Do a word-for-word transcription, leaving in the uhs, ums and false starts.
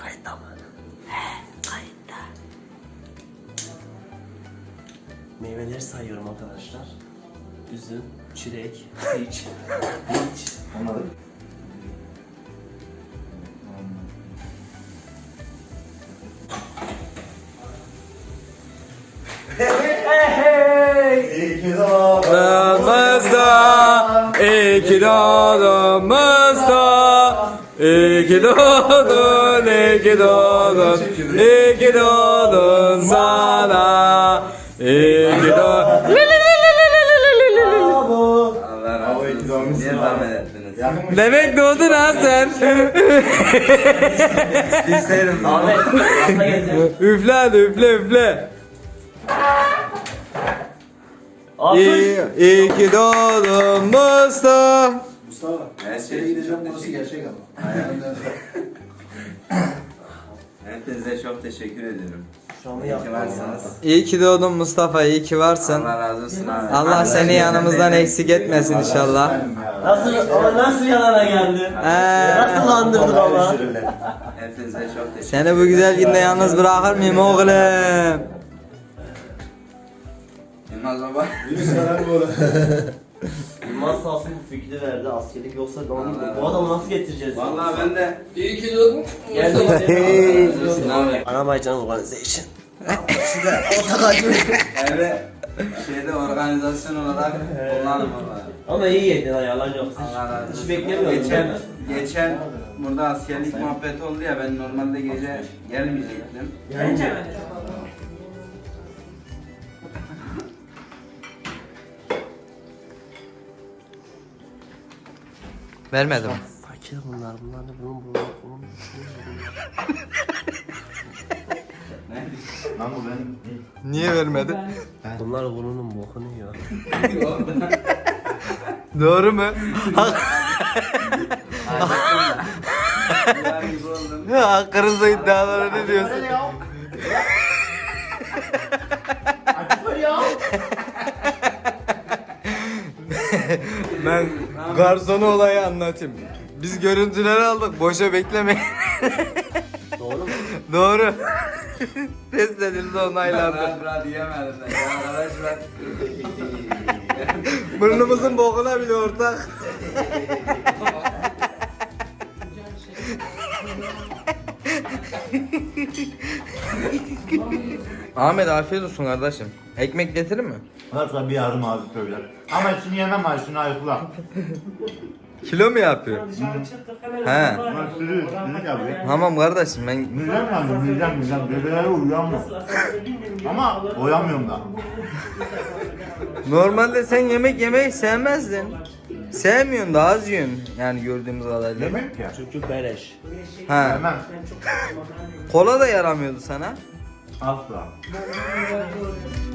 Kayıtta mı? He, kayıtta. Meyveleri sayıyorum arkadaşlar. Üzüm, çilek, peach, peach. Anladık. İyi ki Doğdumuzda, iki doğdumuzda, iki doğdun, iki doğdun, iki doğdun sana, iki doğdun. Allah razı olsun. Niye zahmet ettiniz? Demek doğdun ha sen. İsterim. Ahmet, hasta getir. Üfle hadi üfle üfle. İyi, iyi ki doğdun Mustafa. Mustafa. Her şey Şeye için gideceğim çok burası teşekkür gerçek ama. Hepinize çok teşekkür ediyorum. Şu an İyi ki varsınız. İyi ki doğdun Mustafa, iyi ki varsın. Allah razı olsun abi. Allah seni yanımızdan eksik etmesin inşallah. Nasıl, ama nasıl yalana geldin? Ee, Nasıl andırdık ama? Hepinize çok teşekkür Seni bu güzel günde yalnız bırakır mıyım oğlum? Yılmaz baba. Yılmaz sağ olsun bu fikri verdi. Askerlik yoksa onu, bu adamı nasıl getireceğiz? Vallahi ben de. İyi ki doğdun. Geldik. Abi. Anabaycan Organization. Evet. Şeyde organizasyon olarak kullanım valla. Ama iyi yedin ha, yalan yok. Allah razı olsun. Hiç beklemiyordum. Geçen, geçen burada askerlik muhabbeti oldu ya, ben normalde gece gelmeyecektim. Bence. Vermedim. Fakir bunlar, bunlar da bunun bunun bunun. Lan bu benim. Niye vermedin? Bunlar bunun bokunu yiyor. Doğru mu? Bunlar gibi oldum. Hakkınızda iddialara ne diyorsun? Ben garsonu olayı anlatayım. Biz görüntüleri aldık, boşa beklemeyin. Doğru mu? Doğru. Test edildi, onaylandı. Rahat rahat yiyemedim ben ya arkadaşlar. Burnumuzun bokuna bile ortak. Ahmet afiyet olsun kardeşim. Ekmek getirir mi? Varsa bir yardım abi söyler. Ama şunu yemem abi, şunu ayıkla. Kilo mu yapıyor? He. Bak sürü, sürü abi. Tamam kardeşim ben Müzem yandı, müzem, müzem. Bebeleri uyanmıyor. Ama uyanmıyorum da. normalde sen yemek yemeyi sevmezdin. Sevmiyorsun da az yiyorsun yani gördüğümüz kadarıyla. Yemek ya. Çünkü beleş. Ha. Yemem. Kola da yaramıyordu sana. Asla.